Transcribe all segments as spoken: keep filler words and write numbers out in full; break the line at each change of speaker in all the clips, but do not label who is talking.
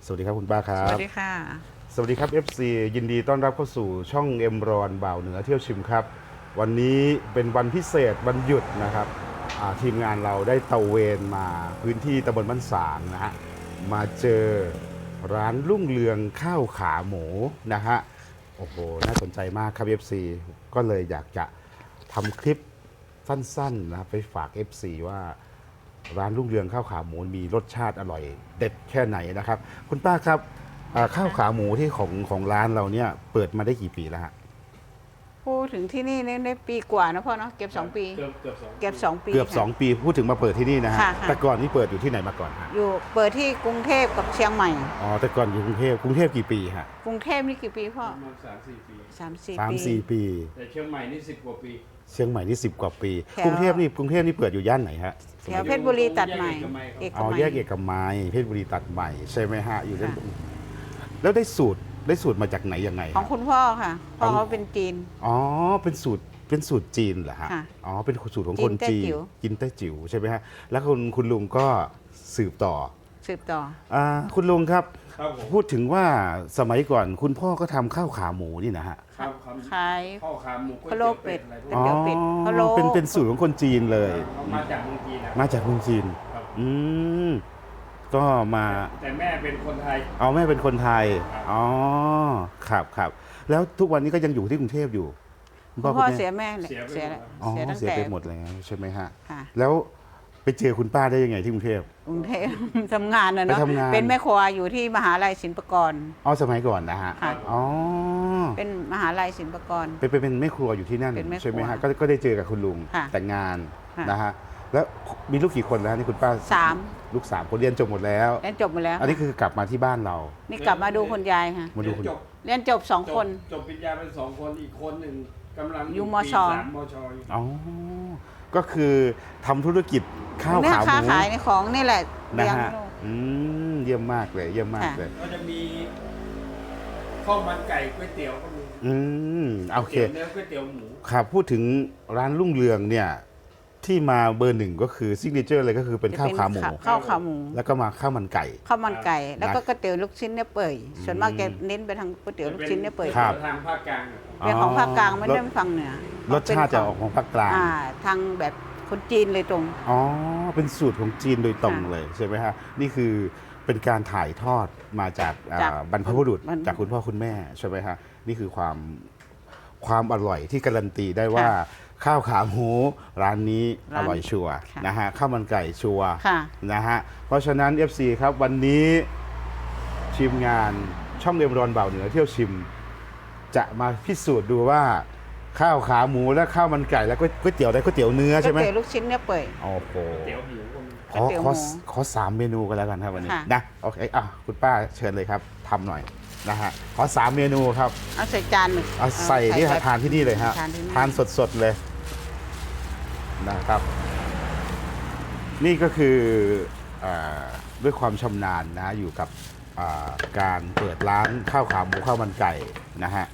สวัสดีครับคุณป้าครั
ส
บ
วัสดีค่ะ
สวัสดีครับ เอฟ ซี ยินดีต้อนรับเข้าสู่ช่องเอ็มรอนบ่าวเหนือเที่ยวชิมครับวันนี้เป็นวันพิเศษวันหยุดนะครับทีมงานเราได้ตระเวนมาพื้นที่ตำบลบ้านสางนะฮะมาเจอร้านรุ่งเรืองข้าวขาหมูนะฮะโอ้โหน่าสนใจมากครับ เอฟ ซี ก็เลยอยากจะทำคลิปสั้นๆนะไปฝาก เอฟ ซี ว่าร้านรุ่งเรืองข้าวขาหมูมีรสชาติอร่อยเด็ดแค่ไหนนะครับคุณป้าครับข้าวขาหมูที่ของของร้านเราเนี่ยเปิดมาได้กี่ปีแล้วฮะ
พูดถึงที่นี่ได้ปีกว่านะพ่อเนาะเก็บสองปี
เกือบเกือบสอง
เก็บสองปี
เกือบสองปีพูดถึงมาเปิดที่นี่นะฮะ
ค่ะ
แต่ก่อนนี่เปิดอยู่ที่ไหนมาก่อนฮะ
อยู่เปิดที่กรุงเทพกับเชียงใหม่
อ๋อแต่ก่อนอยู่กรุงเทพกรุงเทพกี่ปีฮะ
กรุงเทพนี่กี่ปีพ่อ
ประมาณสามสี่ปี
สามสี่
สาม
ปี
สี่ปี
แต่เชียงใหม่นี่สิบกว่าปี
เชียงใหม่นี่สิบกว่าปี
แถว
กรุงเทพนี่กรุงเทพนี่เปิดอยู่ย่านไหนฮะ
แถวเพชรบุรีตัดใหม่เอก
อ๋อ
มัย
แยกเอกมัยเพชรบุรีตัดใหม่ใช่ไหมฮะอยู่ด้าน
ค่ะ
แล้วได้สูตรได้สูตรมาจากไหนยังไง
ของคุณพ่อค่ะพ่อเขาเป็นจีน
อ๋อเป็นสูตรเป็นสูตรจีนเหรอฮะ
ค่ะ
อ๋อเป็นสูตรของคน
จี
จี
น
น
แต้จิ๋ว
กินแต้จิ๋วใช่ไหมฮะแล้วคุณคุณลุงก็สืบต่อ
สืบต่อ
อ่าคุณลุงครับ
ครับผม
พูดถึงว่าสมัยก่อนคุณพ่อก็ทำข้าวขาหมูนี่นะฮะ
ครับค
ขาย
ำข้าวขาหมูก๋วย
พะโล้
เตี๋ยวเป็ด
เป็ด
อะไรพวก
ก๋วย
นี้
เตี๋ยวเป็ดพะโล้
เป็นเป็นสูตรของคนจีนเลย
เขามาจากเมืองจีนนะ
มาจากเมืองจีน
ครับ
อืมก็มา
แต่แม่เป็นคนไทย
เอาแม่เป็นคนไทย
ครับ
อ๋อครับครับแล้วทุกวันนี้ก็ยังอยู่ที่กรุงเทพอยู่คุณ
คุณ
พ่
พ่
อ
อ
คุณ
เสี
แม่
ยแม่เลย
เสียไป
เสีย
หมด
อ๋อ
เสียตั้ง
เสีย
แต่
ไปหมดแล้วใช่ไหมฮะ
ค่ะ
แล้วไปเจอคุณป้าได้ยังไงที่กรุงเทพ
กรุงเทพ ทำงานนะเนาะ
ไปทำงาน
เป็นแม่ครัวอยู่ที่มหาลัยศิลปากร
อ๋อสมัยก่อนนะฮะ
ค่ะ
อ๋อ
เป็นมหาลัยศิลปากร
เป็นเป็นเป็นแม่ครัวอยู่ที่นั่น
เป็นแม่ครัว
ใช่ไหมฮะก็ก็ได้เจอกับคุณลุง
ค่ะ
แต่งงาน
ค่ะ
นะฮะแล้วมีลูกกี่คนแล้วนี่คุณป้า
สาม
ลูกสามคนเรียนจบหมดแล้ว
เรียนจบหมดแล้ว
อันนี้คือกลับมาที่บ้านเรา
นี่กลับมาดูคุณยายค่ะ
มาดูคุณ
เรียนจบ
เรียนจบสอง
จบ
คน
จบปริญญาเป็นสองคนอีกคนหนึ่งกำลัง
อยู่ม
ปี
ช
สามมชอยู่
อ๋อก็คือทำธุรกิจข้าว
เนี่ย
ขาห
ค้า
มู
ขายในของนี่แหละ
นะ
เลี้ยง
ฮะ
ลูก
อืมเยี่ยมมากเลยเยี่ยมมาก
ค่ะ
เลย
ก็จะมีข้าวมันไก่ก๋วยเตี๋ยวก็มี
อืมโอเค
ก๋วยตี๋ยวเนื้อก๋วยเตี๋ยวหมู
ครับพูดถึงร้านรุ่งเรืองเนี่ยที่มาเบอร์หนึ่งก็คือซิกเนเจอร์เลยก็คือเป็นข้าวขาหมู
ข้าวขาหมู
แล้วก็มาข้าวมันไก่
ข้าวมันไก่ แล้วก็
นะ
ก๋วยเตี๋ยวลูกชิ้นเนี่ยเปื่อยส่วนมากจะเน้นไปทางก๋วยเตี๋ยวลูกชิ้นเนี่ยเปื่อย
ครับ
ทางภาคกลางอะ
เป็นของภาคกลางไม่ได้ฝั่งเหนือ
รสชาติจะออกของภาคกลาง
อ่าทางแบบคนจีนเลยตรง
อ๋อ เป็นสูตรของจีนโดยตรง
ค่ะ
เลยใช่ไหมฮะ นี่คือเป็นการถ่ายทอดมาจากอ่า
จาก
บรรพบุรุษ
บรรพ
จากคุณพ่อคุณแม่ใช่ไหมฮะ นี่คือความความอร่อยที่การันตีได้ว่าข้าวขาหมูร้านนี้อร่อยชัวร์นะฮะ ข้าวมันไก่ชัวร์
ค่ะ
นะฮะ เพราะฉะนั้น เอฟ ซี ครับวันนี้ทีมงานช่องเอ็มรอนบ่าวเหนือเที่ยวชิม จะมาพิสูจน์ดูว่าข้าวขาหมูและข้าวมันไก่แล้วก็ก๋วยเตี๋ยวได้ก๋วยเตี๋ยวเนื้อ
ก๋ว
ใช่
ย
ไหม
เตี๋ยวลูกชิ้นเนี่ยเปื่อย
โอ้โห
เตี๋ยวหมูก็มี
ขอ
ก๋วยเตี๋ยว
ขอ
หมู
ขอสามเมนูกันแล้วกันครับวันนี้
ค่ะ
นะโอเคอ่ะคุณป้าเชิญเลยครับทำหน่อยนะฮะขอสามเมนูครับ
เอาใส่จานหนึ่ง
เอาใส่ที่
แบบ
ทานที่นี่เลยฮะ
ทานที่นี่
ทานสดๆเลยนะครับ นี่ก็คืออาด้วยความชำนาญนะฮะอยู่กับอ่าการเปิดร้านข้าวขาหมูข้าวมันไก่นะฮะ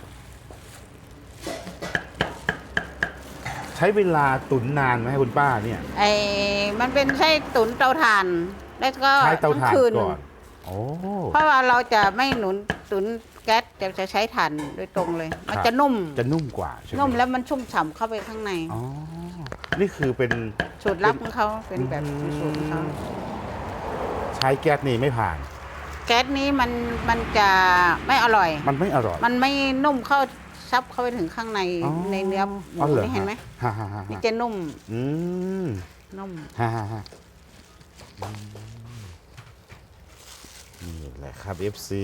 ใช้เวลาตุ๋นนานไหมคุณป้าเนี่ย
ไอ้มันเป็นไส้ตุ๋นเตาถ่าน แล้วก็
ใช้เตาถ่าน
ทั้งคืน
ก่อนโอ้
เพราะว่าเราจะไม่หนุนตุ๋นแก๊สแต่จะใช้ถ่านโดยตรงเลย มันจะนุ่ม
จะนุ่มกว่าใช่ไหม
นุ่มแล้วมันชุ่มฉ่ำเข้าไปข้างใน
อ๋อ นี่คือเป็น
สูตรลับของเขาเป็นแบบ
อืม
สูตรของเขา
ใช้แก๊สนี่ไม่ผ่าน
แก๊สนี้มันมันจะไม่อร่อย
มันไม่อร่อย
มันไม่นุ่มเข้าซับเข้าไปถึงข้างใน
อ๋อ
ในเนื้อหมู
อ๋อรอ
นี่เห็นไหม
ฮ่าฮ่าฮ่า
นี่จะนุ่ม
อืม
นุ่ม
ฮ่าฮ่าฮ่าอืมนี่แหละครับ เอฟ ซี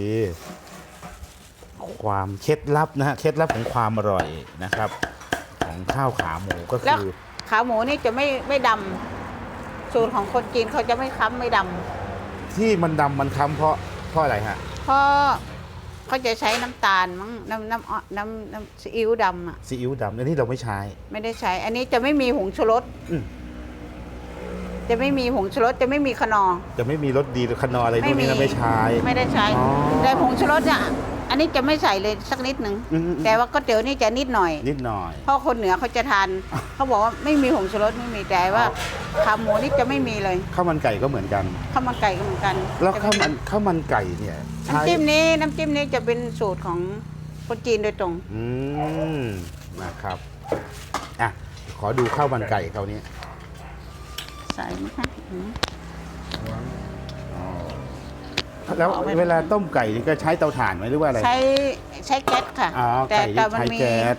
ความเคล็ดลับนะฮะ เคล็ดลับของความอร่อยนะครับ ของข้าวขาหมูก็
แล้ว
คือ
ขาหมูนี่จะไม่ไม่ดำสูตรของคนจีนเขาจะไม่ค้ำไม่ดำ
ที่มันดำมันค้ำเพราะเพราะอะไรฮะ
เพราะเขาจะใช้น้ำตาลมั้งน้ำน้ำอ้อน้ำน้ำซีอิ๊วดำอ่ะ
ซีอิ๊วดำอันนี้เราไม่ใช้
ไม่ได้ใช้ อันนี้จะไม่มีผงชูรส
อืม
จะไม่มีผงชูรสจะไม่มีขนอ
จะไม่มีรสดีหรือคนออะไรพวกนี้เราไม่ใช้
ไม่ได้ใช้
อ๋อ
แต่ผงชูรสเนี่ยอันนี้จะไม่ใส่เลยสักนิดหนึ่ง
อืมๆ
แต่ว่าก๋วยเตี๋ยวนี่จะนิดหน่อย
นิดหน่อย
เพราะคนเหนือเขาจะทาน เขาบอกว่าไม่มีผงชูรสไม่มีแต่ว่าขาหมูนี่จะไม่มีเลย
ข้าวมันไก่ก็เหมือนกัน
ข้าวมันไก่ก็เหมือนกัน
แล้วข้าวมันข้าวมันไก่เนี่ยใช้
น้ำจิ้มนี้น้ำจิ้มนี้จะเป็นสูตรของคนจีนโดยตรง
อืมนะครับอ่ะขอดูข้าวมันไก่เขาวนี้
ใส่ไหมคะอืม
อ๋อแล้วเวลาต้มไก่นี่ก็ใช้เตาถ่านไหมหรือว่าอะไร
ใช้ใช้แก๊สค่ะ
อ๋อ
แต่
ไก่
แต่
ที่
มัน
ใช้
มี
แก๊ส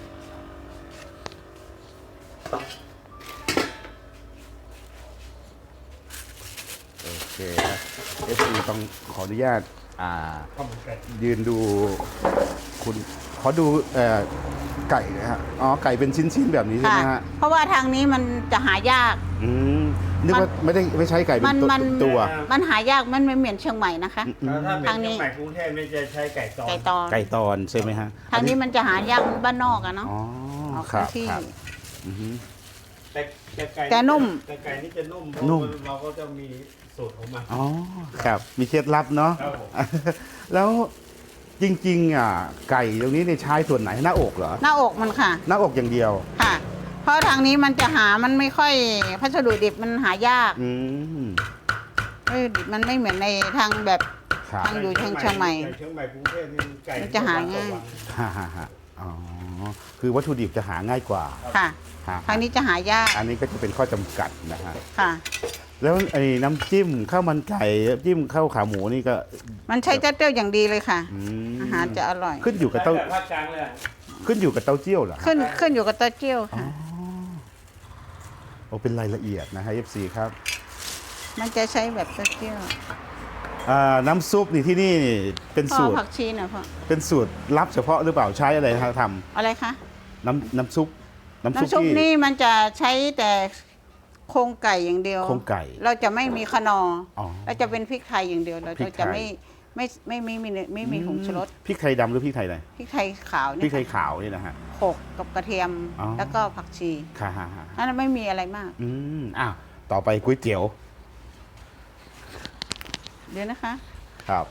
โอเคครับเอฟซีต้องขออนุญาตอ่า
ข้าวมันไก่
ยืนดูคุณขอดูเอ่อไก่นะฮะอ๋อไก่เป็นชิ้นๆแบบนี้ใช่
ค่ะ
ไหมฮะ
เพราะว่าทางนี้มันจะหายาก
อืมนึกว่าไม่ได้ไม่ใช้ไก่เป็
มัน น
ตัว
มัน
ตัว
มันหายากมันไม่เหมือนเชียงใหม่นะคะ
แล้วถ้าเป็น
ทางนี้
เชียงใหม่กรุงเทพไม่จะใช้ไก่ตอน
ไก่ตอน
ไก่ตอนใช่ไหมฮะ
ทางนี้มันจะหายากบ้านนอกอะเนาะ
อ๋อ
ออก
ครับ
ที่
ครับอือฮึ
แต่แต่ไก่
แต่นุ่ม
แต่ไก่นี่จะนุ่มเพราะ
นุ่ม
เราก็จะมีสูตรของมัน
อ๋อครับมีเคล็ดลับเนาะ
ครับผม
แล้วจริงๆอ่ะไก่ตรงนี้เนี่ยใช้ส่วนไหนหน้าอกเหรอ
หน้าอกมันค่ะ
หน้าอกอย่างเดียว
ค่ะ เพราะทางนี้มันจะหามันไม่ค่อยพัสดุดิบมันหายาก
อืม
วัตถุดิบมันไม่เหมือนในทางแบบ
ครับ
ทาง อยู่เชียงใหม่
ไก่เชียงใหม่กรุงเทพนี่ไก่
มันจะหาง่าย
วัน
ฮ่าฮ่าฮ่าอ๋อคือวัตถุดิบจะหาง่ายกว่า
ค่ะ
ฮ่า
ทางนี้จะหายาก
อันนี้ก็จะเป็นข้อจำกัดนะฮะ
ค่ะ
แล้วไอ้น้ำจิ้มข้าวมันไก่จิ้มข้าวขาหมูนี่ก็
มันใช้เต้าเจี้ยวอย่างดีเลยค่ะ
อืม
อาหารจะอร่อย
ขึ้นอยู่กับ
แต่
เต้า
แบบภาคกลางเลยอะ
ขึ้นอยู่กับเต้าเจี้ยวเหรอฮะ
ขึ้นขึ้นอยู่กับเต้าเจี้ยว
อ๋อ
ค่ะ
โอ้เป็นรายละเอียดนะฮะ เอฟ ซี ครับ
มันจะใช้แบบเต้าเจี้ยว
อ่าน้ำซุปนี่ที่นี่เป็น
พ่อ
สูตร
ผักชีหน่อยพ่อ
เป็นสูตรลับเฉพาะหรือเปล่าใช้อะไรฮะท
อะไรคะ
ำน้ำน้ำซุปน้ำซุป
น้ำซุป
ที่
นี่มันจะใช้แต่โครงไก่อย่างเดียว
โครงไก่
เราจะไม่มีขนอ
อ๋อ
เราจะเป็นพริกไทยอย่างเดียวเรา
พริกไทย
จะไม่ไม่ไม่ไม่ไม่ไม่ไม่มีผงชูรส
พริกไทยดำหรือพริกไทยอะไร
พริกไทยขาว
พริ
นี่
กไทยขาวนี่นะฮะ
โขลกกับกระเทียม
อ๋อ
แล้วก็ผักชี
ค่ะฮ่าฮ่า
นั่นไม่มีอะไรมาก
อืมอ้าวต่อไปก๋วยเตี๋ยว
เดี๋ยวนะคะ
ครับ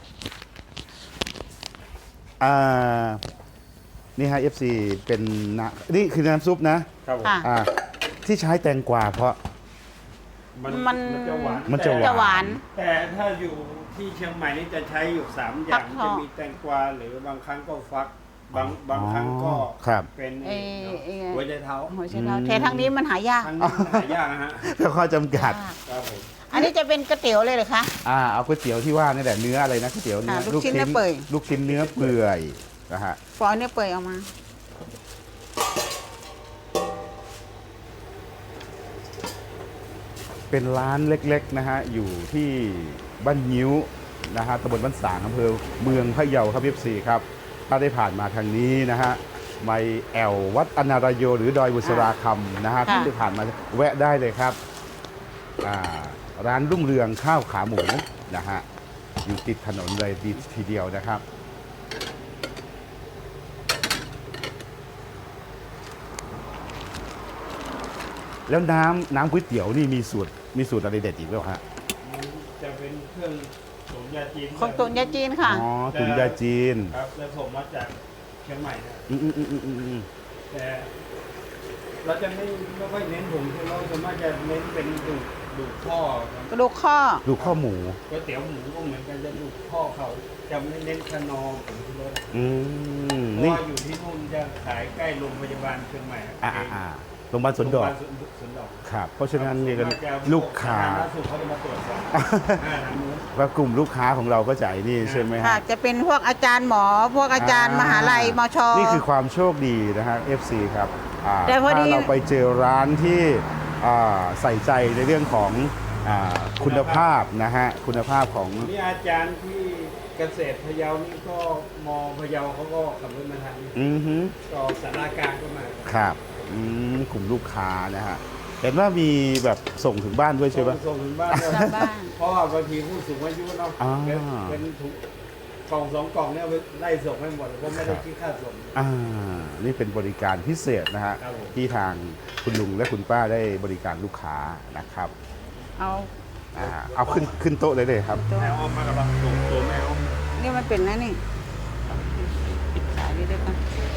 อ่านี่ฮะ เอฟ ซี เป็นน้ำนี่คือน้ำซุปนะครับ
ผม
ค่ะ
อ่าที่ใช้แตงกวาเพราะ
มัน
มัน
จะหวาน
มันจะ
จะหวาน
แต่ถ้าอยู่ที่เชียงใหม่นี่จะใช้อยู่สามอย่าง
ฟักท
จะ
อง
มีแตงกวาหรือบางครั้งก็ฟัก บางบางครั้งก็
ครับ
เป็น
เอ่อเอ่อ
หัวใจเท้า
หัวไชเท้าแต่ทางนี้มันหายาก
ทั้งนี้หายากนะฮะ
ก็ข้อจำกัด
ยาก
ครับผม
อันนี้จะเป็นก๋วยเตี๋ยวเลยเหรอคะ
อ่าเอาก๋วยเตี๋ยวที่ว่านี่แหละเนื้ออะไรนะก๋วยเตี๋ยวเนื้อ
ค่ะลูกชิ้นเนื้อเปื่อย
ลูกชิ้นเนื้อเปื่อยนะฮะ
ฟอยเนี่ยเปื่อยออกมา
เป็นร้านเล็กๆนะฮะอยู่ที่บ้านยิ้วนะฮะตำบลบ้านสางอำเภอเมืองพะเยาครับพี่ซีครับถ้าได้ผ่านมาทางนี้นะฮะไม่แอววัดอนารายโยหรือดอยบุษราคำนะฮะ
ค่ะ
ที่ได้ผ่านมาแวะได้เลยครับอ่าร้านรุ่งเรืองข้าวขาหมูนะฮะอยู่ติดถนนเลยดีทีเดียวนะครับ แล้วน้ำน้ำก๋วยเตี๋ยวนี่มีสูตรมีสูตรอะไรเด็ดอีกไหมฮะ
จะเป็นเครื่องตุ๋นยาจีน
ของตุนยาจีนค่ะ
อ๋อตุ๋นยาจีน
ครับแล้วผมมาจากเชียงใหม่นะ
อืมอืมอืมอืมอืม
แต่เราจะไม่ไม่ค่อยเน้นผงชูรสส่วนมากจะเน้นเป็นดูดดูดข้อครับ
กระดูกข้อ
ดูข้อหมู
ก๋วยเตี๋ยวหมูก็เหมือนกันจะดูดข้อเขาจะไม่เน้นขนอผงชูรส
อืม
เพราะ
นี่
ว่าอยู่ที่นู่นจะขายใกล้โรงพยาบาลเชียงใหม่
อ่าอ่าอ่าโรงพยาบาลสวนดอก
โรงพยาบาลสวนดอก
ครับ เพราะฉะนั้นเนี่ยก็ลูกค้า
สธรณสุขเขาจะมาตรวจสอบอ่าทางนู้น
ว่ากลุ่มลูกค้าของเราก็จ่ายนี่ใช่ไหม
ค่ะ
ฮะ
จะเป็นพวกอาจารย์หมอ พวกอาจารย์มหาลัยมช
นี่คือความโชคดีนะฮะ เอฟ ซี ครับอ่า
แต่พอดี
ถ้าเราไปเจอร้านที่อ่าใส่ใจในเรื่องของอ่าคุณภาพนะฮะคุณภาพของ
นี่อาจารย์ที่เกษตรพะเยานี่ก็มอพะเยาเขาก็ขับรถมาทางนี้
อือฮึ
ก็สารากลางก็มา
ครับอืมกลุ่มลูกค้านะฮะเห็นว่ามีแบบส่งถึงบ้านด้วยใช่ไหม
ส่งถึงบ้าน
กลับบ้าน
เพราะว่าบางทีผู้สูงอายุเนาะ
อ่า
เป็นเป็นถุงกล่องสองกล่องเนี่ยเอาไปไล่ส่งให้หมดเพราะไม่ได้คิดค่าส่ง
อ่า นี่เป็นบริการพิเศษนะฮะ
ครับผม
ที่ทางคุณลุงและคุณป้าได้บริการลูกค้านะครับ
เอา
อ่าเอาขึ้นขึ้นโต๊ะเลยเลยครับ
ตัว
แมวอ้อมมากับเราตัวตัวแมวอ้อม
นี่มันเป็นนะนี่เดี๋ยวกัน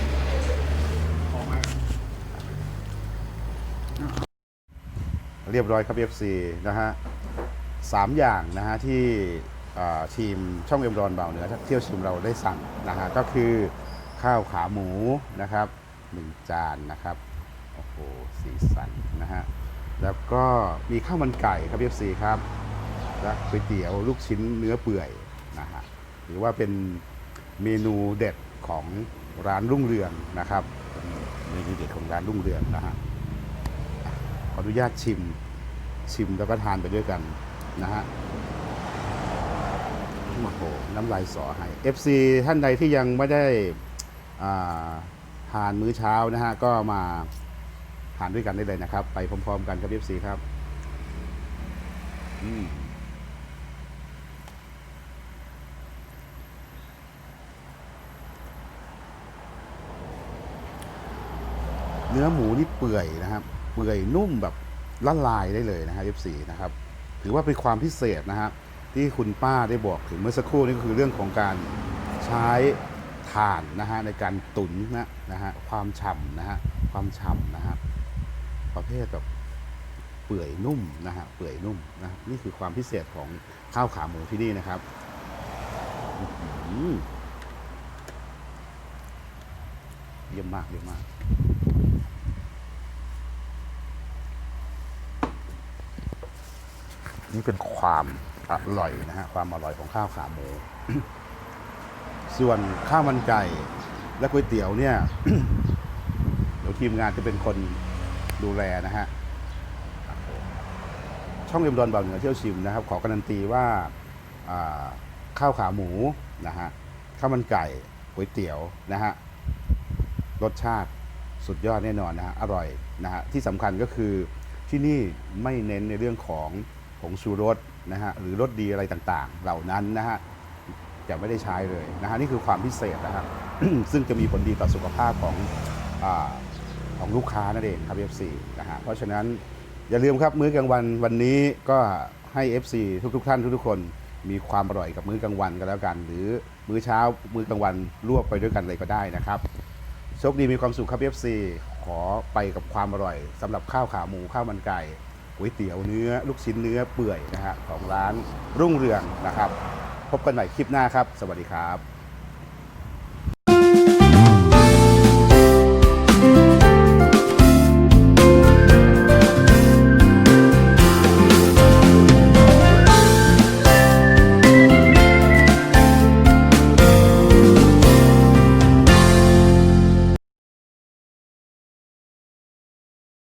เรียบร้อยครับ เอฟ ซี นะฮะสามอย่างนะฮะที่อ่าทีมช่องเอ็มรอนบ่าวเหนือเที่ยวชิมเราได้สั่งนะฮะก็คือข้าวขาหมูนะครับหนึ่งจานนะครับโอ้โหสีสันนะฮะแล้วก็มีข้าวมันไก่ครับ เอฟ ซี ครับและก๋วยเตี๋ยวลูกชิ้นเนื้อเปื่อยนะฮะหรือว่าเป็นเมนูเด็ดของร้านรุ่งเรืองนะครับเมนูเด็ดของร้านรุ่งเรืองนะฮะขออนุญาตชิมชิมแล้วก็ทานไปด้วยกันนะฮะโอ้โหน้ำลายสอให้ เอฟ ซี ท่านใดที่ยังไม่ได้อ่าทานมื้อเช้านะฮะก็มาทานด้วยกันได้เลยนะครับ ไปพร้อมๆกันครับ เอฟ ซี ครับอืมเนื้อหมูนี่เปื่อยนะครับเปื่อยนุ่มแบบละลายได้เลยนะฮะ เอฟ ซี นะครับถือว่าเป็นความพิเศษนะฮะที่คุณป้าได้บอกถึงเมื่อสักครู่นี่ก็คือเรื่องของการใช้ถ่านนะฮะในการตุ๋นนะนะฮะความฉ่ำนะฮะความฉ่ำนะฮะประเภทแบบเปื่อยนุ่มนะฮะเปื่อยนุ่มนะนี่คือความพิเศษของข้าวขาหมูที่นี่นะครับอื้อหือเยี่ยมมากเยี่ยมมากนี่เป็นความอร่อยนะฮะความอร่อยของข้าวขาหมู ส่วนข้าวมันไก่และก๋วยเตี๋ยวเนี่ย เดี๋ยวทีมงานจะเป็นคนดูแลนะฮะช่องเอ็มดอนบ่าวเหนือเที่ยวชิมนะครับขอการันตีว่าอ่าข้าวขาหมูนะฮะข้าวมันไก่ก๋วยเตี๋ยวนะฮะรสชาติสุดยอดแน่นอนนะฮะอร่อยนะฮะที่สำคัญก็คือที่นี่ไม่เน้นในเรื่องของผงชูรสนะฮะหรือรสดีอะไรต่างๆ เหล่านั้นนะฮะจะไม่ได้ใช้เลยนะฮะนี่คือความพิเศษนะฮะ ซึ่งจะมีผลดีต่อสุขภาพของอาของลูกค้านั่นเองครับ เอฟ ซี นะฮะเพราะฉะนั้นอย่าลืมครับมื้อกลางวันวันนี้ก็ให้ เอฟ ซี ทุกๆท่านทุกๆคนมีความอร่อยกับมื้อกลางวันกันแล้วกัน หรือมื้อเช้ามื้อกลางวันรวบไปด้วยกันเลยก็ได้นะครับโชคดีมีความสุขครับ เอฟ ซี ขอไปกับความอร่อยสำหรับข้าวขาหมูข้าวมันไก่ก๋วยเตี๋ยวเนื้อลูกชิ้นเนื้อเปื่อยนะฮะของร้านรุ่งเรืองนะครับพบกันใหม่คลิปหน้าครับสวัสดีครับ